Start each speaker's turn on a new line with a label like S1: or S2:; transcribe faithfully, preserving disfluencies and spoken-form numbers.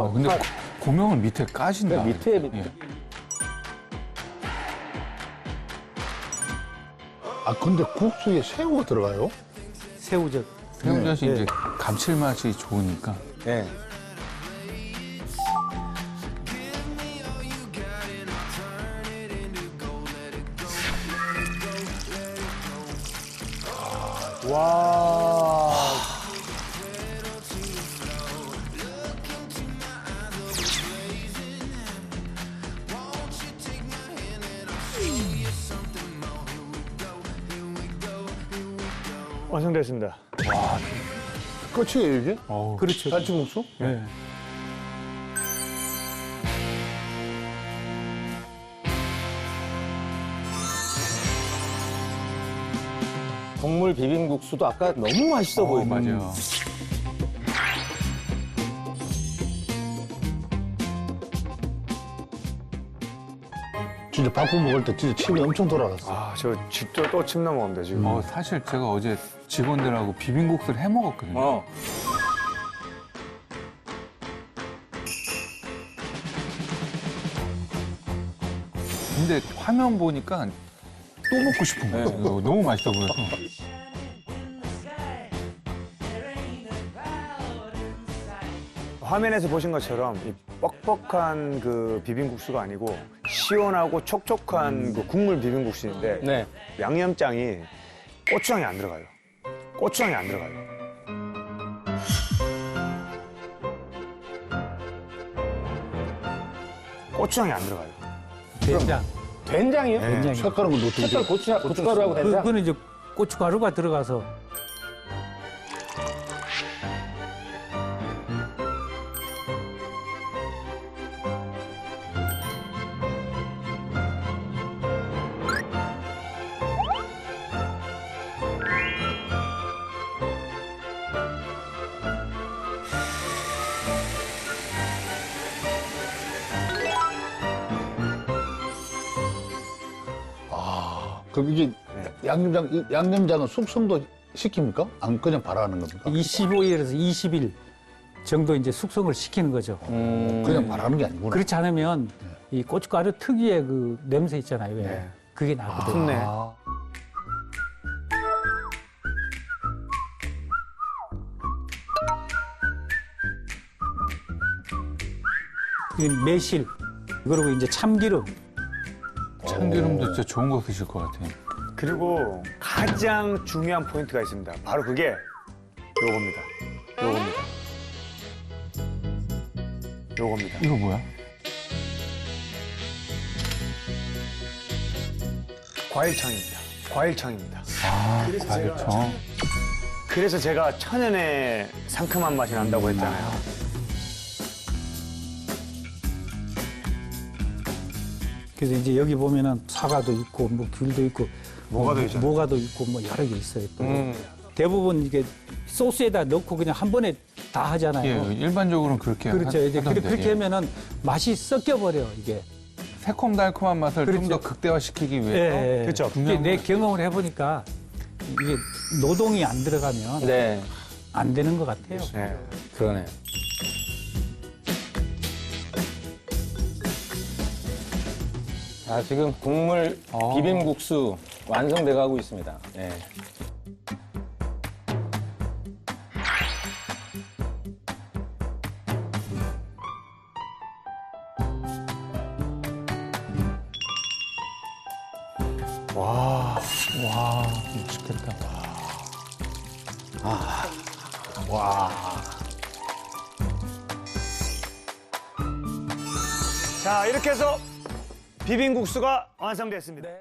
S1: 어, 근데
S2: 파-
S1: 고- 고명을 밑에 까신다.
S2: 그러니까 밑에 밑에.
S1: 예.
S3: 아, 근데 국수에 새우가 들어가요?
S2: 새우젓.
S1: 새우젓이
S2: 네.
S1: 이제 감칠맛이 좋으니까.
S2: 네. 와. 완성됐습니다.
S3: 끝이에요, 이게?
S1: 어우,
S2: 그렇죠.
S3: 갈치국수?
S1: 네.
S2: 국물 비빔국수도 아까 너무 맛있어
S1: 어,
S2: 보이네.
S1: 맞아요.
S3: 진짜 바꾸 먹을 때 진짜 침이 엄청 돌아갔어.
S4: 아, 저 집도 또 침 넘어온다, 지금.
S1: 어, 사실 제가 어제 직원들하고 비빔국수를 해 먹었거든요.
S2: 어.
S1: 근데 화면 보니까 또 먹고 싶은 거예요.
S2: 네.
S1: 이거 너무 맛있어 보여서.
S4: 화면에서 보신 것처럼 이 뻑뻑한 그 비빔국수가 아니고 시원하고 촉촉한 그 국물 비빔국수인데
S2: 네.
S4: 양념장이 고추장이 안 들어가요. 고추장이 안 들어가요. 고추장이 안 들어가요.
S5: 된장.
S2: 된장이요?
S4: 네.
S5: 된장이.
S3: 색깔은 건 어떻게
S2: 색깔 고추, 고춧가루하고
S5: 그,
S2: 된장?
S5: 그거는 이제 고춧가루가 들어가서
S3: 그럼 이게 양념장, 이 양념장은 숙성도 시킵니까? 안 그냥 발화하는 겁니까?
S5: 이십오 일에서 이십 일 정도 이제 숙성을 시키는 거죠.
S2: 음.
S3: 그냥 발화하는 게 아니구나.
S5: 그렇지 않으면 이 고춧가루 특유의 그 냄새 있잖아요. 왜?
S4: 네.
S5: 그게 나거든요.
S4: 풋내.
S3: 아,
S5: 이게 매실 그리고 이제 참기름.
S1: 참기름도 진짜 좋은 거 드실 것 같아요.
S4: 그리고 가장 중요한 포인트가 있습니다. 바로 그게 요겁니다. 요겁니다. 요겁니다.
S1: 이거 뭐야?
S4: 과일청입니다. 과일청입니다.
S1: 아, 과일청.
S4: 그래서 제가 천연의 상큼한 맛이 난다고 했잖아요.
S5: 그래서 이제 여기 보면은 사과도 있고 뭐 귤도 있고
S4: 모가도
S5: 뭐,
S4: 있잖아요.
S5: 모가도 있고 뭐 여러 개 있어요. 또
S2: 음.
S5: 대부분 이게 소스에다 넣고 그냥 한 번에 다 하잖아요.
S1: 예, 일반적으로는 그렇게
S5: 그렇죠.
S1: 하-
S5: 이제 그렇게,
S1: 하던데,
S5: 그렇게
S1: 예.
S5: 하면은 맛이 섞여 버려 이게.
S1: 새콤달콤한 맛을 좀
S5: 그렇죠.
S1: 더 극대화시키기 위해서
S5: 예, 예.
S4: 그렇죠.
S5: 이게 내 경험을 해보니까 이게 노동이 안 들어가면
S2: 네.
S5: 안 되는 것 같아요.
S4: 네.
S2: 그러네. 자, 지금 국물
S1: 어.
S2: 비빔국수 완성돼 가고 있습니다. 네.
S4: 와.
S5: 와, 맛있겠다.
S4: 자, 이렇게 해서 비빔국수가 완성됐습니다.